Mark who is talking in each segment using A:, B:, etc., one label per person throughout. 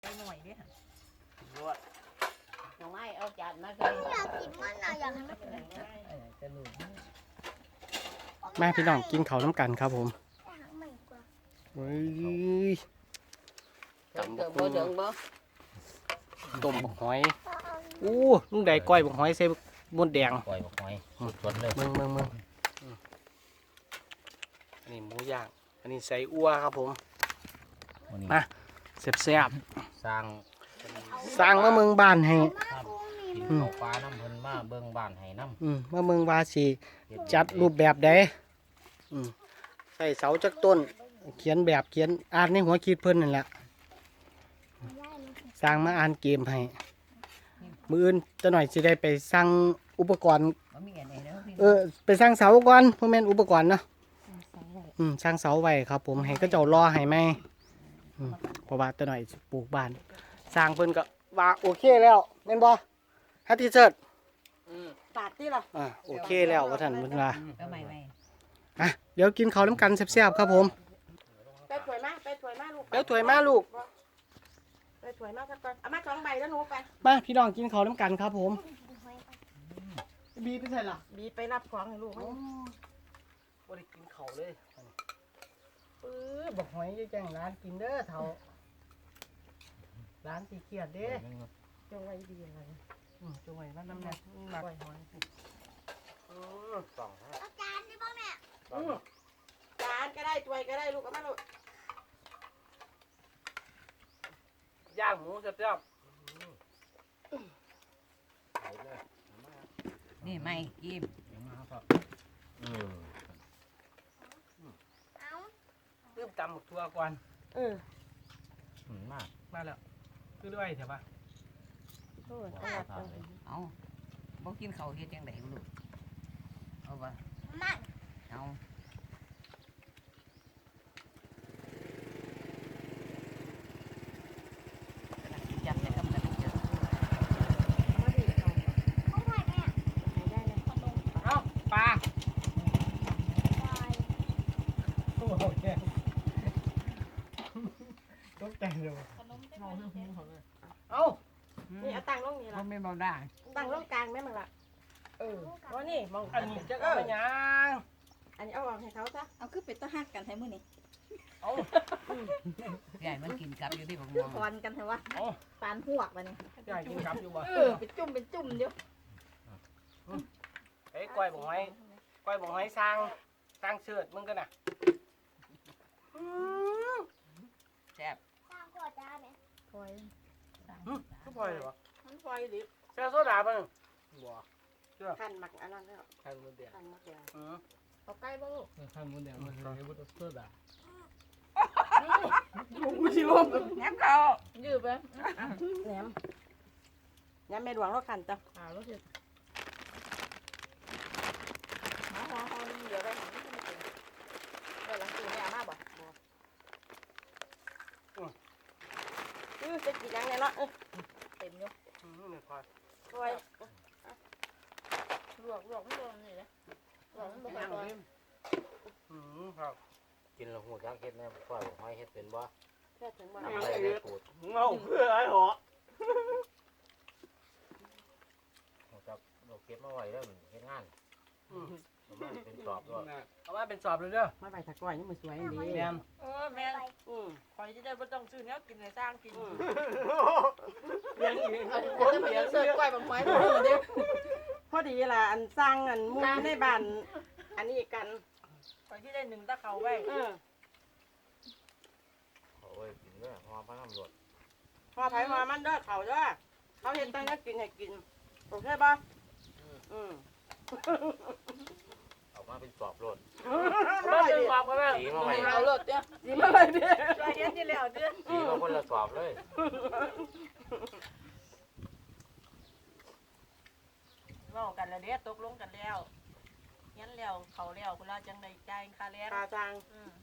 A: ไปหน่อยดิรวด
B: น้องไม้เอาจานมาใส่
C: อยากกินมันนะอยากให้มันเป็น
A: จะหลุด
D: แม่พี่น้องกินข้าวน้ำกันครับผม
C: อาหารใหม่กว่า
D: เฮ้ย
B: เถิงบ่เถิงบ่
D: ต้มบักหอย
C: ก็เอา
D: อู้ลุงใดก้อยบักหอยใส่มดแดง
A: ปล่อยบอกหอยสดเลย
D: มึงอันนี้หมูย่างอันนี้ใส่อั่วครับผมมาแซ่บ
A: สร้าง
D: ๆสร้างมาเมืองบ้านให้
A: กินข้าวปลาน้ำเพิ่นมาเบิ่งบ้านให้น้ำ
D: มาเมืองว่าสิจัดรูปแบบใดใส่เสาจักต้น เขียนแบบเขียนอ่านในหัวคิดเพิ่นนั่นแหละสร้างมาอ่านเกมให้มืออื่นจะหน่อยสิได้ไปสร้างอุปกรณ์ไปสร้างเสาก่อนพวกแม่นอุปกรณ์เนาะสร้างเสาไว้ครับ ผมให้ก็เจ้ารอให้ไหมเพราะว่าจะหน่อยสิปลูกบ้าน สร้างเพิ่นก็ว่าโอเคแล้วแม่นบ่ฮัตติเซิร์ต
B: ปาดที่ล่ะ
D: โอเคแล้วว่าท่านเพิ่นว่า
B: เอาใหม่
D: เดี๋ยวกินข้าวน้ำกันแซ่บๆครับผม
B: ไปถวยมาลูก
D: เดี๋ยวถวยมาลูก
B: ไปถวยมาสักก่อนเอามา2ใบแล้วหนูไป
D: มาพี่น้องกินข้าวน้ำกันครับผมบีไปใส่ละ
B: บีไปรับของให้ลูก
D: บ่ได้กินข้าวเลยบอกหอยจะแจ้งร้านกินเด้อเฒ่าร้านสีเขียดเด้
B: จงไว้ดีอะไร
D: จงไว้มันน้ำแน่หนัก
B: ปล่อยหอย
A: สอง
C: เอาจานได้บ้างแม่
B: จานก็ได้ถวยก็ได้ลูกเอามาลูก
D: ย่างหมูแซ่บ
B: นี่ไม่กิน
A: มาครับ
C: เอา
D: ๆลืมตำหมกทั่วก่อน
A: มาก
D: มาแล้วคือด้วยเถอะปะ
B: เอาบ่กินข้าวเฮ็ดจังได๋ลูกเอาบ่
C: มัน
B: เอาจับได้กับมันเจอ
C: เขาถ่ายแม่
D: เอ้าปลา
C: ถ่าย
D: โอ้โหแกตกใจเลยเอ้า
B: นี่เอาตั้งลงนี่
E: บ่
B: ล่ะ
E: แม่นบ่ได้
B: ตั้งลงกลางแม่มึงล่ะว่านี่มอง
D: อันนี้จะเอาไปยัง
B: อันนี้เอาออกให้เขาซะ
F: เอาคือเป็นตะหักกันให้มื้อนี้
D: เอ้า
E: ใหญ่มันกินกับอยู่ที่บ่
F: คือ
E: ม่วง
F: คอนกันให้ว่า
D: เอ้า
F: ปานหวกบัดนี้
D: อยากกินครับอยู่บ่
F: เป็นจุ่มเดียว
D: เอ้ยก้อยบอกหอยสร้างเชือดมึงกันน่ะ
E: แซ่บ
C: สร้างขวดจานไหม
F: คอย
D: ก็พลอยเลยวะ
B: มันปล่อยดิ
D: แซ่โซดาป่ะบ่
B: หั่นหมักอันนั้นแล้ว
D: ไข่มดแดง
B: หั่นหมักแดง
D: อือ
B: เอาใกล้บ่ลูก
D: ไข่มดแดงมันใส่บุตรโซดา
B: กูสิลม
E: แหนมเขา
B: ยืดไปแหนมแม่หลวงเราขันจ้ะแล้วสิหอเดี๋ยวได้หอหลังตีไม่เอามาบ่จะกินยังไงเนาะเต็มอยู่
D: นี่พลอย
B: คอยลวกไม่โดนนี่เลยลวกมันบ่ค่อยโดน
D: ครับ
A: กินแล้วหูจักเฮ็ดแน่ปล่อยหอยเฮ็ดเป็นบ่
B: แค่ถึงบ่
A: ทำอะไรได้ปูด
D: เงาเพื่อไอ้หอ
A: หูจักเราเก็บมาไว้แล้วเฮ็ดงานมันเป็นสอบด้วย
D: เอามาเป็นสอบเลยเด้อ
B: มาใบตะกร้อยนี่มันสวยดี
D: แม่น
B: แม่คอยจะได้ไม่ต้องซื้อเนี้ยกินในสร้างกิน
D: เลี้ยงอีก
B: จะไปเสิร์ฟกล้วยบางไม้เดี๋ยวพอดีล่ะอันสร้างอันมุ้งในบ้านอันนี้กันคอยที่ได้1ตะเขาไว้
A: โอ้ยกินด้วยหอมพระน้ำรด
B: พอไผมามันเด้อเขาเด้อเขาเห็นตั้งแต่กินให้กินโอเคป่ะ
A: ออกมาเป็นสอบรด
D: มาเป็นสอบกันแล้ว
A: สีมาไว้
B: เอารถเด้อดีมาเลยเด้อ
F: ช่วยเฮ็ดที่แล้วเด้อ
A: สีมาคนละสอบเลย
F: เว้ากันแล้วเด้อตกลงกันแล้วยันแล้วเขาแล้วคุณลาจังได๋จ่ายค่าแรง
B: ตาจาง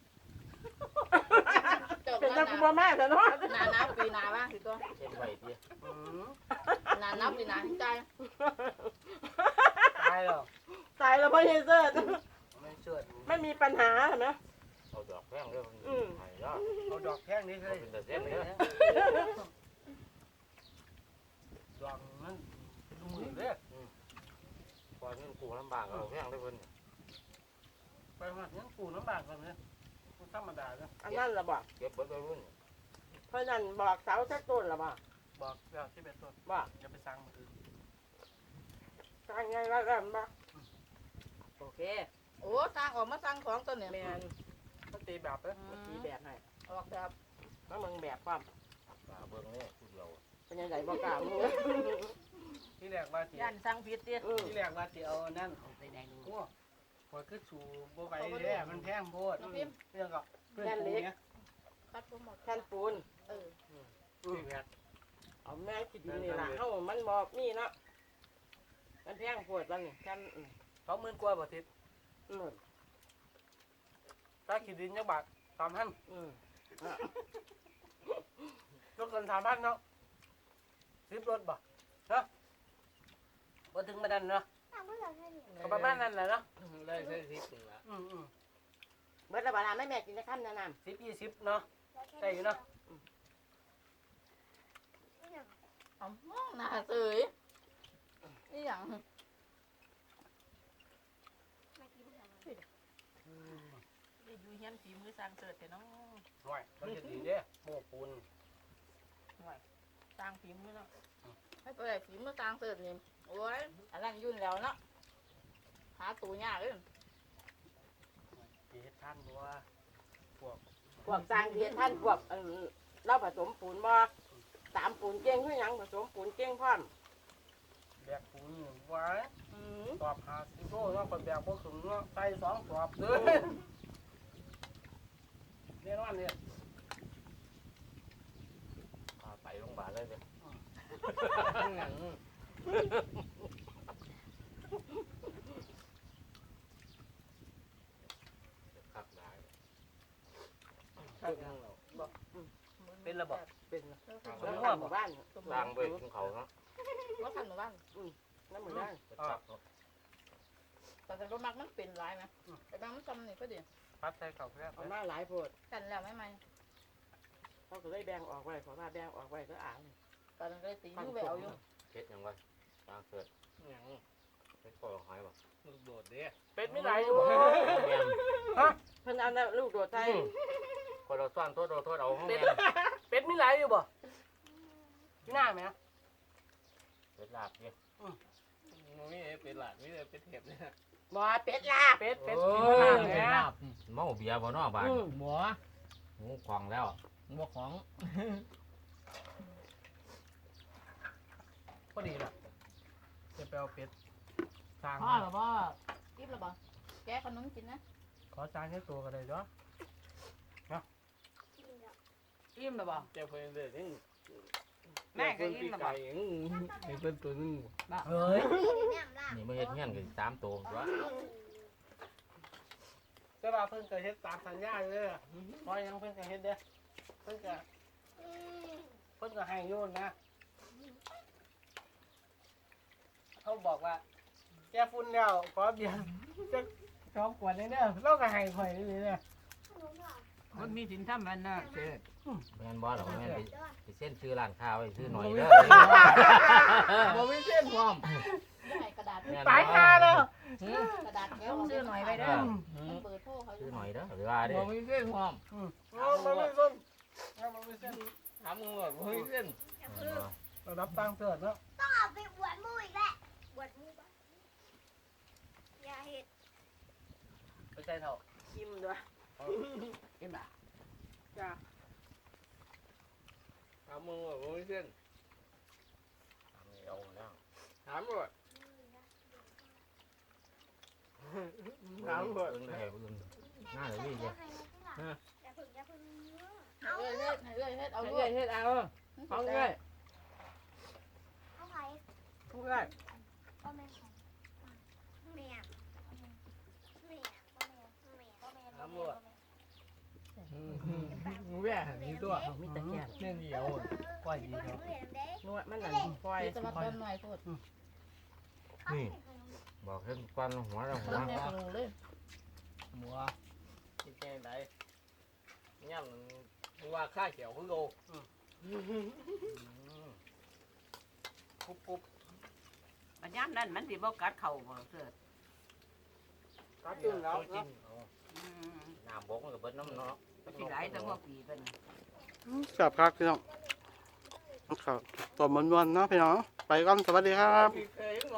F: จบ
B: เป็น
F: แล้
B: ตาว กูบ่แม่เถอะเนาะ
F: หน้านับปีหน้าว่าสิตัว
A: เช่นไว้ดิ
F: หน้านับปีหน้าสิจ่าย
D: ตายแล้ว
B: ตายแล้วพ่อเฮเซอร์
D: ไม่เชือด
B: ไม่มีปัญหาเห็นไหม
A: เอาดอกแพงเด้อมันหายแล้ว
D: เอาดอกแท่งนี้เลย
A: เป็นแต่เส้นเด้อกูลำบากเอาแพงได้เพิ่น
D: ไปหอดยังปูน้ำบากกันเนี่ยธรรมดาเนาะ
B: อันนั้นละบอก
A: เก็บเบิดไปรุ่น
B: เพราะนั้นบอกเสาสักต้นละบอก
D: บอกแล้วที่เป็นต้น
B: บอก
D: อย่าไปสั่งมันอื่น
B: สร้างไงว่ากันบอกโอเค
F: โอ้สร้างออกมาสร้างของตัวเนี่ย
B: แมน
D: มันตีแบบเลย
B: เมื่อกี้แบบให้
F: ออกแบบ
B: แล้วมึงแบบความ
A: ตาเบิ่งนี่ผู้เดียว
B: เป็นยังไงบอกกล่าวมึง
D: ที่แรกว่าจี
F: ย่านสร้างผิดดิ
D: ที่แรกว่าจีเอานั่น
E: ไปไหนดู
D: โอ้พอคือสูบ่ไหวเลยมันแพงโพดเรื่องก็เพื่อนปูเนี้ย
F: ตัดบ่หมด
B: แท่นปูน
D: ที่แพง
B: เอาแม่คิดดีนี่ล่ะเฮ้ามันบอกมีเนาะมันแพงปวดมันนี่แท่น
D: 20,000 กว่าบาททิศ
B: อืม
D: ถ้าขีดดินจักบาท3,000
B: อืม
D: รถกัน3,000เนาะ10 รถบ่เนาะบ่ถึงมาดันเนาะ
C: ทำเพื่ออะไรเนี่ย
D: ก็ประมาณนั้นแหละเนาะ
A: ได้ใช้10นึงละ
B: เบิดละบาลาไม่แม่กินจะข้ามแนะน
D: 10-20เนาะได้อยู่เนาะ
F: เอามองหน้าเสยนี่หยัง
C: มากินทำไม
F: ได้อยู่เฮียนฝีมือสร้างเสริฐแต่เนาะ
D: ห่วยมันจะดีเด้โม่ปูน
F: สร้างฝีมือเนาะให้ตัวใหญ่ฝีมือสร้างเสริฐนี่โอ้ยอันนั้นยุ่นแล้วเนาะหาตัวยากเลย
D: เฮ็ดท่านบัวพวก
B: ำพวกสร้างเทียนท่านพวกเราผสมปูนบ่ตามปูนเก่งคือหยังผสมปูนเก่งพร้อม
D: แบกปูนไว้
B: อืม
D: ตอบ50 โลเนาะก็แบกบ่ถึงเนาะใส่2 ตอบเด้อแน่นอนเนี่ย
A: พาไปโรงพยาบาลเลยเด้อคักหลาย
D: เป็นระบบ
B: เป็น
F: แล้ว
B: สมว่าหมู่บ้าน
A: สร้างไว้ของเขาเนาะ
F: ว่าขันหมู่บ้าน
B: น้ำหมู่บ้าน
A: เป็นซับเนาะ
F: แต่ก็มักมันเป็นหลายไหมแต่บางมันจำนี่ก็ดี
D: พัดใส่ข้าวแซ่บ
B: เอามาหลายโพด
F: กันแล้วไม่ไหม
B: เขาก็เลยแบ่งออกไว้เพราะว่าแบ่งออกไว้ก็อ่าน
F: ตอนนั้นก็เลยตีมือแหววอยู่
A: เฮ็ดหยังวะสร้างเสร็จ
D: หยัง
A: เฮ็ดก่อหอยบ่
D: ลูกโดดเด้เป็ดไม่ไหลอยู่
A: แม่น
B: เพิ่นเอาลูกโดดไทย
A: คนเราซ่อนโทษเอาแม่น
D: เป็ดไม่ไหลอยู่บ่หน้าไหม
A: เป็ดลาบเนี่ย
D: มีเป็ดหลาดมีแต่เป็ดเห็บเนี่ย
B: บ่เป็ดลาบ
D: เป็ด
A: โอ้
D: กิน
A: ย
D: น้ำเนี่ย
A: เมาเบียร์บ่เนาะบ้าน
E: หมัว
A: หมูควางแล้ว
E: หมัวของ
D: พอดีล่ะจะไปเอาเป็ดสร้าง
F: พ่อหรือว่ากินหรือเปล่าแกขนมกินนะ
D: ขอสร้างแค่ตัวกันเลยเนาะ
F: อิ่มหรือเปล่า
D: เจ้าเพิ่นเด้อนี่
F: แม่ก็อิ่มหรือเปล่า
D: ให้เพิ่นตัวนึง
E: เฮ้ย
C: เนี่ยล่ะ
A: นี่มาเฮ็ดเงี้ยนกัน3ตัวตัว
D: แต่ว่าเพิ่นก็เฮ็ดตามสัญญาเลยอะพอยังเพิ่นก็เฮ็ดเด้อเพิ่นก็ให้โยนนะเขาบอกว่าแกฟุ้นแล้วขอเบียร์จะ2 ขวดเลยเด้อเราก็ให้ข่อยนี่เนี่ย
E: มันมีสินทำมันน่ะเสร็จ
A: แม่นบ่หรอแม่นไปเส้นซื้อร้านค้าไว้ซื้อหน่อยเด้อ
E: บ่มีเส้นพร้อม
F: ให้กระดาษ
D: ไปค่าแล้ว
F: กระดาษแก้วซื้อหน่อยไปเด้อเปิดโทรเขา
A: ซื้อหน่อยเด้อหรือว่าเด้
E: บ่มีเส้นพร้อม
D: มันไม่ส้นมันไม่เส้น
E: ถามมึงว่าบ่มีเส้น
D: เรารับตังค์เถิดเนาะ
C: ต้องเอาไปอวดมูอีกแหละอวดมูบ้างอย่าเห็ด
D: ไปใส่เท่า
B: กิมด้วย
E: กินบ่
B: จ้า
E: ถามมึงว่าบ่มีเส้น
A: เอาแล้ว
E: ถามว่า
A: น้ำก่อนเอ้ยน่าจะมีเด้อ
C: อย่าพึ่งอย่าพึ่ง
F: ให้เอ้ยเฮ็ดเอา
B: เอา
F: ด้ว
B: เง
F: ย
B: ยเฮ็ดเอาเอาเงย
C: เอาไผ่
B: ผู้เงย
C: ก็แม่ของแม่แม่ก็แม่แม่ก็แม่ก็แม่
E: มึงแว่นี่ตัว
B: เอามีแต่แก่น
E: เส้นเดียว
D: ก้อยดีเนาะ
B: นวดมันนั่นปล่อย
F: จะมาต้นหน่อยพูด
A: นี่บอกเห็นควันหัวแล้วหัว
F: ต้นเนี่ยขนมเลย
E: หมัวกินแกงไดย่ำมึงว่าข้าเขียวคือโล
D: ปุ๊บปุ๊บ
E: มันย่ำนั่นมันสิบ่กัดเข่าบ่เสิร์ช
B: ขาจุ่นแล้ว
A: กินเอาน้ำบกมันก็เบิดน้ำเนาะ
G: สิหลายแต่ว่าปีเป็น
D: แซ่บครับพี่น้องครับตัวมันๆเนาะพี่น้องไปก่อนสวัสดีครับ
E: พี่เคย